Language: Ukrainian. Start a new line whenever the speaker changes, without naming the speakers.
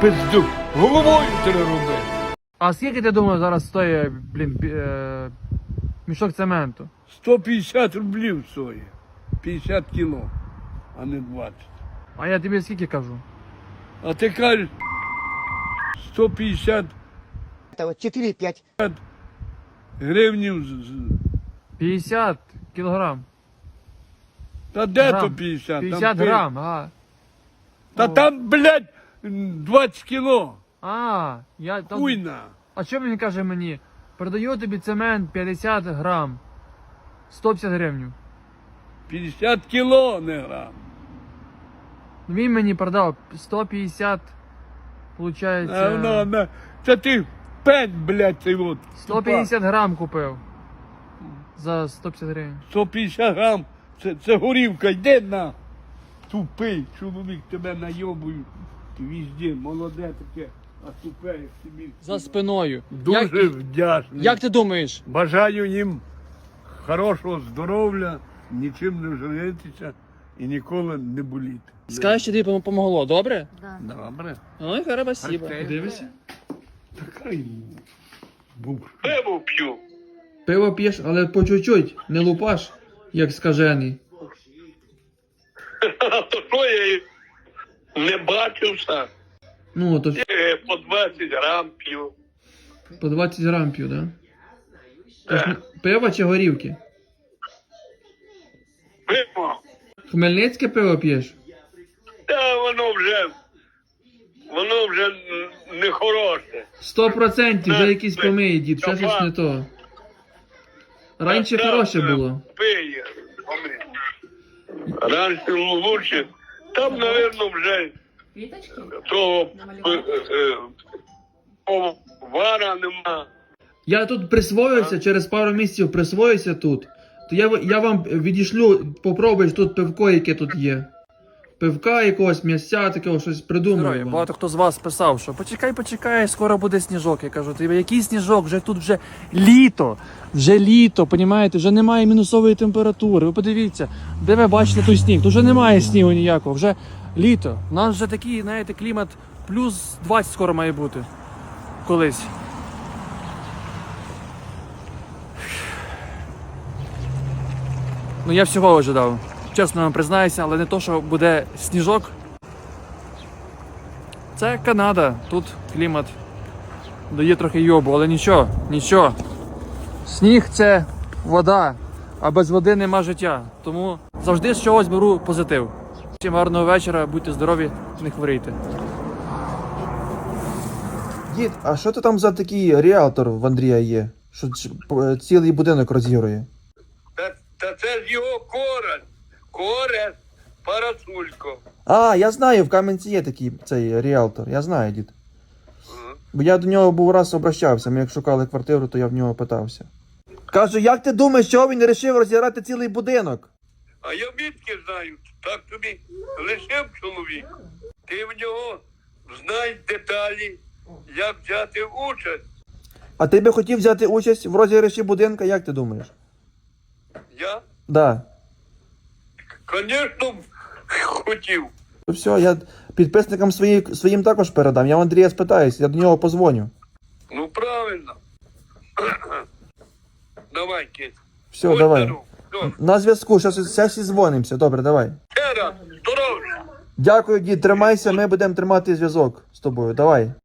пизду. Головою треба робити.
А скільки ти думаєш зараз стоїть, мішок цементу?
150 рублів стоїть. 50 кіло, а не 20.
А я тобі скільки кажу?
А ти кажеш 150
Это вот 4-5.
гривнів.
50 кілограм.
Та де
Грам.
то 50?
50
там
грам, а.
Та там, блядь, 20 кіло.
Я там...
Хуйна.
А що він каже мені? Продаю тобі цемент 50 грам. 150 гривень.
50 кіло не грам.
Він мені продав 150, получається...
Це ти пень, блядь, цей от.
150 грам купив. За 150 гривень.
150 грам. Це горівка, йде на. Тупий чоловік, тебе найобують. Візді, молоде таке, а тупе, як собі.
За спиною.
Дуже вдячний.
Як ти думаєш?
Бажаю їм хорошого здоров'я, нічим не жалітися і ніколи не боліти.
Скажеш, що тобі помогло, добре?
Добре.
Ну, хорошо, спасибо.
Дивися. Така йому. Пиво п'ю.
Пиво п'єш, але по чуть-чуть, не лупаш, як скажений.
То що я і не бачився?
Ну, то ж
По 20 грам п'ю.
по 20 грам п'ю, да? Тож, пиво чи горівки?
Пиво.
Хмельницьке пиво п'єш?
Та воно вже не хороше.
100% вже якісь помиє, дід, ще щось не то. Раніше хороше було.
Пиє. Раніше лучше. Там, мабуть, вже того вара нема.
Я тут присвоюся, через пару місяців присвоюся тут. То я вам відішлю, попробуєш тут пивко, яке тут є. Пивка якогось, м'ясця, такого, щось придумаю. Багато хто з вас писав, що почекай, скоро буде сніжок. Я кажу, ти який сніжок? Вже тут вже літо, понімаєте? Вже немає мінусової температури. Ви подивіться, де ви бачите той сніг? Тут вже немає снігу ніякого, вже літо. У нас вже такий, знаєте, клімат плюс 20 скоро має бути. Колись. Ну я всього ожидав. Чесно вам признаюся, але не то, що буде сніжок. Це Канада, тут клімат дає трохи йобу, але нічого. Сніг – це вода, а без води нема життя. Тому завжди з чогось беру позитив. Всім гарного вечора, будьте здорові, не хворійте.
Дід, а що ти там за такий ріалтор в Андрія є? Що цілий будинок розігрує?
Та це ж його корень. Корень Парасулько.
А, я знаю, в Кам'янці є такий цей ріалтор, я знаю, дід. Бо я до нього був раз обращався, ми як шукали квартиру, то я в нього питався. Кажу, як ти думаєш, чого він вирішив розіграти цілий будинок?
А я відки знаю, так тобі лишив чоловік. Ти в нього знай деталі, як взяти участь.
А ти би хотів взяти участь в розіграші будинка, як ти думаєш?
Я,
Да.
звісно, хотів.
Ну все, я підписникам своїм також передам. Я в Андрія спитаюсь, я до нього позвоню.
Ну, правильно. Давай, кит.
Все,
Будь
давай.
здоров. Все.
На зв'язку, зараз і дзвонимося. Добре, давай.
Ще раз, здоров'я.
Дякую, дід, тримайся, ми будемо тримати зв'язок з тобою. Давай.